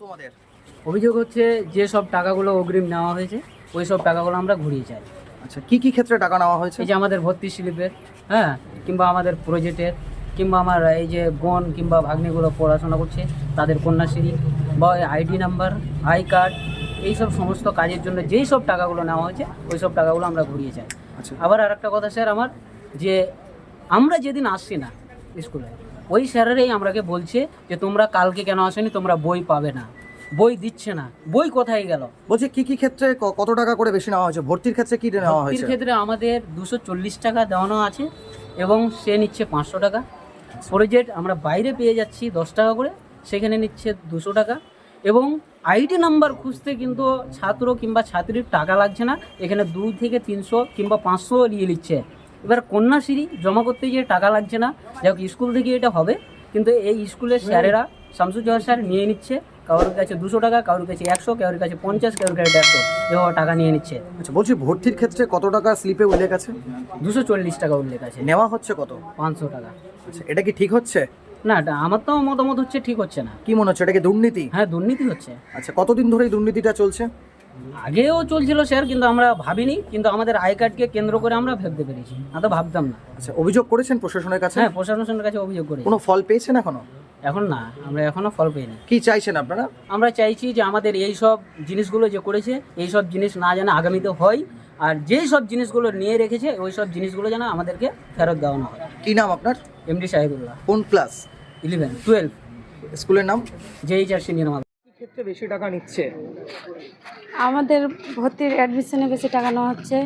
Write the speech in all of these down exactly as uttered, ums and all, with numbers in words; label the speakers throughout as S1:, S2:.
S1: তোমাদের?
S2: অভিযোগ হচ্ছে যে সব টাকাগুলো অগ্রিম নেওয়া হয়েছে ওই সব টাকাগুলো আমরা ঘুরিয়ে চাই।
S1: আচ্ছা, কি কি ক্ষেত্রে টাকা নেওয়া হয়েছে?
S2: এই যে আমাদের ভর্তি স্লিপের, হ্যাঁ, কিংবা আমাদের প্রজেক্টের, কিংবা আমার এই যে বোন কিংবা ভাগ্নিগুলো পড়াশোনা করছে তাদের কন্যাশ্রী বা আইডি নাম্বার, আই কার্ড, এইসব সমস্ত কাজের জন্য যেই সব টাকাগুলো নেওয়া হয়েছে ওই সব টাকাগুলো আমরা ঘুরিয়ে চাই।
S1: আচ্ছা,
S2: আবার আর একটা কথা স্যার আমার, যে আমরা যেদিন আসছি না স্কুলে ওই স্যারেরাই আমরাকে বলছে যে তোমরা কালকে কেন আসেনি, তোমরা বই পাবে না, বই দিচ্ছে না, বই কোথায় গেল।
S1: বলছি কি কি ক্ষেত্রে ক- কত টাকা করে বেশি নেওয়া হয়েছে? ভর্তির ক্ষেত্রে কি নেওয়া
S2: ভর্তির
S1: হয়েছে?
S2: ক্ষেত্রে আমাদের দুশো চল্লিশ টাকা দেওয়ানো আছে এবং সে নিচ্ছে পাঁচশো টাকা। প্রজেক্ট আমরা বাইরে পেয়ে যাচ্ছি দশ টাকা করে, সেখানে নিচ্ছে দুশো টাকা। এবং আইডি নাম্বার খুঁজতে কিন্তু ছাত্র কিংবা ছাত্রীর টাকা লাগছে না, এখানে দুই থেকে তিনশো কিংবা পাঁচশো নিয়ে নিচ্ছে। এবার কন্যাশ্রী জমা করতে গিয়ে টাকা লাগছে না, যাই হোক স্কুল থেকে এটা হবে, কিন্তু এই স্কুলের স্যারেরা শামসুজ্জোহর স্যার নিয়ে নিচ্ছে কারোর কাছে দুশো টাকা, কারোর কাছে একশো, কারোর কাছে পঞ্চাশ, কারোর কাছে দেড়শো, এভাবে টাকা নিয়ে নিচ্ছে।
S1: আচ্ছা, বলছি ভর্তির ক্ষেত্রে কত টাকা স্লিপে উল্লেখ আছে?
S2: দুশো চল্লিশ টাকা উল্লেখ আছে,
S1: নেওয়া হচ্ছে কত?
S2: পাঁচশো টাকা।
S1: আচ্ছা, এটা কি ঠিক হচ্ছে?
S2: না, এটা আমার তো মতামত হচ্ছে ঠিক হচ্ছে না।
S1: কি মনে হচ্ছে, এটা কি দুর্নীতি?
S2: হ্যাঁ, দুর্নীতি হচ্ছে।
S1: আচ্ছা, কতদিন ধরে এই দুর্নীতিটা চলছে?
S2: আগেও চলছিল স্যার, কিন্তু আমরা ভাবিনি, কিন্তু আমাদের আই কার্ডকে কেন্দ্র করে আমরা ভাবতে পেরেছি, না তো ভাবতাম না।
S1: আচ্ছা, অভিযোগ করেছেন প্রশাসনের কাছে?
S2: হ্যাঁ, প্রশাসনের কাছে অভিযোগ করেছি।
S1: কোনো ফল পেয়েছেন এখনো?
S2: এখন না, আমরা এখনো ফল পাইনি।
S1: কি চাইছেন আপনারা?
S2: আমরা চাইছি যে আমাদের এই সব জিনিসগুলো যে করেছে এই সব জিনিস না যেন আগামীতে হয়, আর যেই সব জিনিসগুলো নিয়ে রেখেছে ওই সব জিনিসগুলো যেন আমাদেরকে ফেরত দেওয়ানো হয়।
S1: কি নাম আপনার?
S2: এমডি শাহিদুল্লাহ।
S1: কোন ক্লাস?
S2: ইলেভেন টুয়েলভ,
S1: স্কুলের নাম?
S2: যেই চার সিনিয়র মাদ্রাসা।
S1: কি ক্ষেত্রে বেশি টাকা নিচ্ছে?
S3: আমাদের ভর্তির অ্যাডমিশনে বেশি টাকা নেওয়া হচ্ছে।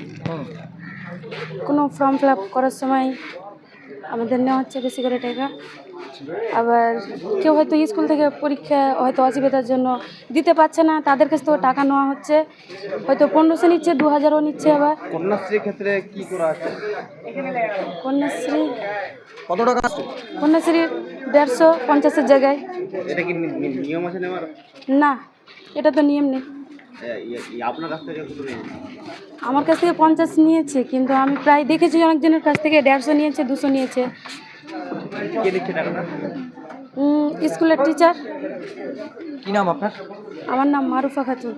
S3: কোনো ফর্ম ফিল আপ করার সময় আমাদের নেওয়া হচ্ছে বেশি করে টাকা। আবার কেউ হয়তো স্কুল থেকে পরীক্ষা হয়তো অসুবিধার জন্য দিতে পারছে না, তাদের কাছ থেকে টাকা নেওয়া হচ্ছে, হয়তো পনেরোশো নিচ্ছে, দু হাজারও নিচ্ছে। আবার
S1: কন্যাশ্রীর ক্ষেত্রে কি করা আছে?
S3: কন্যাশ্রী
S1: কত টাকা আছে?
S3: কন্যাশ্রী দেড়শো পঞ্চাশের জায়গায়।
S4: এটা কি নি- নি- নিয়ম আছে নেওয়ার?
S3: না, এটা তো নিয়ম নেই।
S4: এ, ই- ই- আপনার কাছ থেকে কত নিয়েছে?
S3: আমার কাছ থেকে পঞ্চাশ নিয়েছে, কিন্তু আমি প্রায় দেখেছি অনেকজনের কাছ থেকে দেড়শো নিয়েছে, দুশো নিয়েছে।
S4: কে দিচ্ছে টাকাটা?
S3: উম, স্কুলের টিচার।
S1: কি নাম আপনার?
S3: আমার নাম মারুফা খাতুন।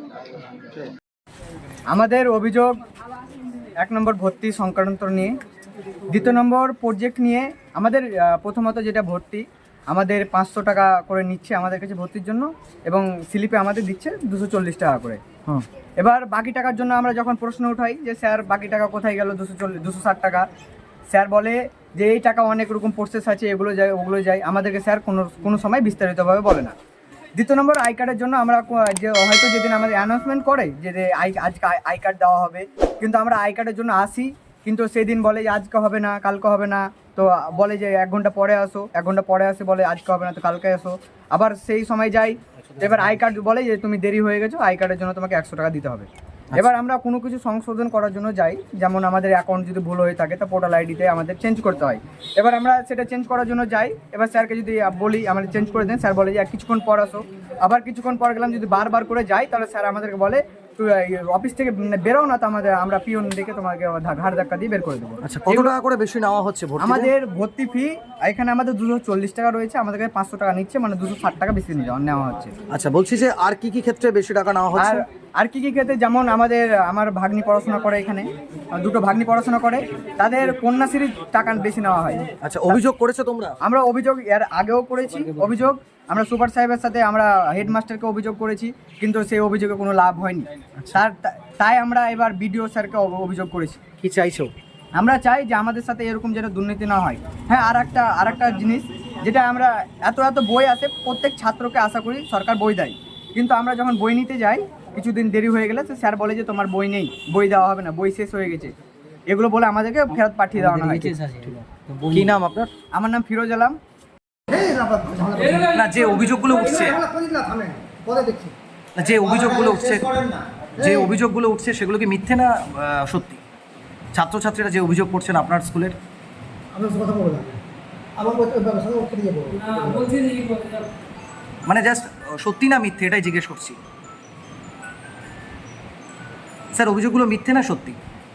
S5: আমাদের অভিযোগ এক নম্বর ভর্তি সংক্রান্ত নিয়ে, দ্বিতীয় নম্বর প্রজেক্ট নিয়ে। আমাদের আহ, প্রথমত যেটা ভর্তি, আমাদের পাঁচশো টাকা করে নিচ্ছে আমাদের কাছে ভর্তির জন্য, এবং স্লিপে আমাদের দিচ্ছে দুশো চল্লিশ টাকা করে।
S1: হুম।
S5: এবার বাকি টাকার জন্য আমরা যখন প্রশ্ন উঠাই যে স্যার বাকি টাকা কোথায় গেল, দুশো চল্লিশ দুশো ষাট টাকা, স্যার বলে যে এই টাকা অনেক রকম প্রসেস আছে, এগুলো যায় ওগুলো যায়, আমাদেরকে স্যার কোনো কোনো সময় বিস্তারিতভাবে বলে না। দ্বিতীয় নম্বর আই কার্ডের জন্য আমরা কো- যে হয়তো যেদিন আমাদের অ্যানাউন্সমেন্ট করে যে যে আই আজকে আই কার্ড দেওয়া হবে, কিন্তু আমরা আই কার্ডের জন্য আসি, কিন্তু সেদিন বলে যে আজকে হবে না, কালকে হবে না, তো বলে যে এক ঘন্টা পরে আসো, এক ঘন্টা পরে আসে বলে আজকে হবে না, তো কালকে আসো। আবার সেই সময় যাই, এবার আই কার্ড বলে যে তুমি দেরি হয়ে গেছো, আই কার্ডের জন্য তোমাকে একশো টাকা দিতে হবে। এবার আমরা কোনো কিছু সংশোধন করার জন্য যাই, যেমন আমাদের অ্যাকাউন্ট যদি ভুল হয়ে থাকে তা পোর্টাল আইডিতে আমাদের চেঞ্জ করতে হয়। এবার আমরা সেটা চেঞ্জ করার জন্য যাই, এবার স্যারকে যদি বলি আমাদের চেঞ্জ করে দেন, স্যার বলে যে আর কিছুক্ষণ পর আসো। আবার কিছুক্ষণ পর গেলাম, যদি বারবার করে যাই তাহলে স্যার আমাদেরকে বলে তুই অফিস থেকে বেরো না, তো আমাদের আমরা পিওন দেখে তোমাকে ধা- ঘাড় ধাক্কা দিয়ে বের করে দেবো।
S1: আচ্ছা, কত টাকা করে বেশি নেওয়া হচ্ছে ভর্তিতে?
S5: আমাদের ভর্তি ফি এখানে আমাদের দুশো চল্লিশ টাকা রয়েছে, আমাদের কাছে পাঁচশো টাকা নিচ্ছে, মানে দুশো ষাট টাকা বেশি নিয়ে যাওয়া- নেওয়া হচ্ছে।
S1: আচ্ছা, বলছি যে আর কি কি ক্ষেত্রে বেশি টাকা নেওয়া
S5: আর
S1: হচ্ছে?
S5: আর কি কি ক্ষেত্রে, যেমন আমাদের আমার ভাগ্নি পড়াশোনা করে এখানে, দুটো ভাগ্নি পড়াশোনা করে, তাদের কন্যাশ্রীর টাকা বেশি নেওয়া হয়।
S1: আচ্ছা, অভিযোগ করেছো তোমরা?
S5: আমরা অভিযোগ এর আগেও করেছি, অভিযোগ আমরা সুপার সাহেবের সাথে আমরা হেডমাস্টারকে অভিযোগ করেছি, কিন্তু সেই অভিযোগে কোনো লাভ হয়নি। তার তাই আমরা এবার বিডিও স্যারকে অভ- অভিযোগ করেছি।
S1: কি চাইছো?
S5: আমরা চাই যে আমাদের সাথে এরকম যেন দুর্নীতি না হয়। হ্যাঁ, আর একটা আর একটা জিনিস, যেটা আমরা এত এত বই আছে, প্রত্যেক ছাত্রকে আশা করি সরকার বই দেয়, কিন্তু আমরা যখন বই নিতে যাই কিছুদিন দেরি হয়ে গেলে তো স্যার বলে যে তোমার বই নেই, বই দেওয়া হবে না, বই শেষ হয়ে গেছে, এগুলো বলে আমাদেরকে ফেরত পাঠিয়ে দেওয়া হয়।
S1: কি নাম আপনার?
S5: আমার নাম ফিরোজ আলম।
S1: না, যে অভিযোগগুলো উঠছে না, যে অভিযোগগুলো উঠছে যে অভিযোগগুলো উঠছে সেগুলো কি মিথ্যে না আহ, সত্যি? ছাত্রছাত্রীরা যে অভিযোগ করছেন আপনার স্কুলের, মানে জাস্ট সত্যি না মিথ্যে এটাই জিজ্ঞেস করছি। স্যার, অভিযোগগুলো মিথ্যে না সত্যি?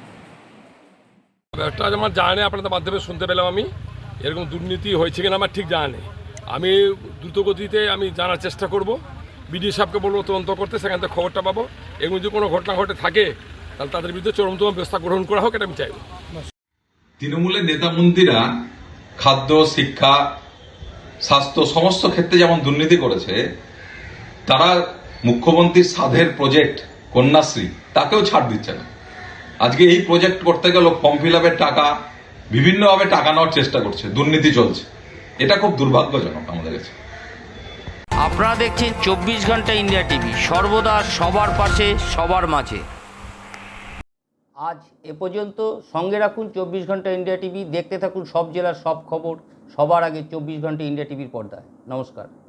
S6: একটা আমার জানা নেই, আপনাদের মাধ্যমে শুনতে পেলাম আমি, এরকম দুর্নীতি হয়েছে কিনা আমার ঠিক জানা নেই। আমি দ্রুতগতিতে আমি জানার চেষ্টা করব, বিডিও সাহেবকে বলবো তদন্ত করতে, সেখান থেকে খবরটা পাবো। এগুলো যদি কোনো ঘটনা ঘটে থাকে তাহলে তাদের বিরুদ্ধে চরমতম ব্যবস্থা গ্রহণ করা হোক, এটা আমি চাইব।
S7: তৃণমূলের নেতা মন্ত্রীরা খাদ্য, শিক্ষা, স্বাস্থ্য সমস্ত ক্ষেত্রে যেমন দুর্নীতি করেছে, তারা মুখ্যমন্ত্রীর সাধের প্রজেক্ট কন্যাশ্রী তাকেও ছাড় দিচ্ছে না। আজকে এই প্রজেক্ট করতে গেল ফর্ম ফিল আপের টাকা বিভিন্নভাবে টাকা নেওয়ার চেষ্টা করছে, দুর্নীতি চলছে। এটা খুব দুর্ভাগ্যজনক আমাদের কাছে।
S8: আপনারা দেখছেন চব্বিশ ঘন্টা ইন্ডিয়া টিভি, সর্বদা সবার পাশে সবার মাঝে। আজ এ পর্যন্ত। সঙ্গে রাখুন চব্বিশ ঘন্টা ইন্ডিয়া টিভি, দেখতে থাকুন সব জেলার সব খবর সবার আগে চব্বিশ ঘন্টা ইন্ডিয়া টিভির পর্দায়। নমস্কার।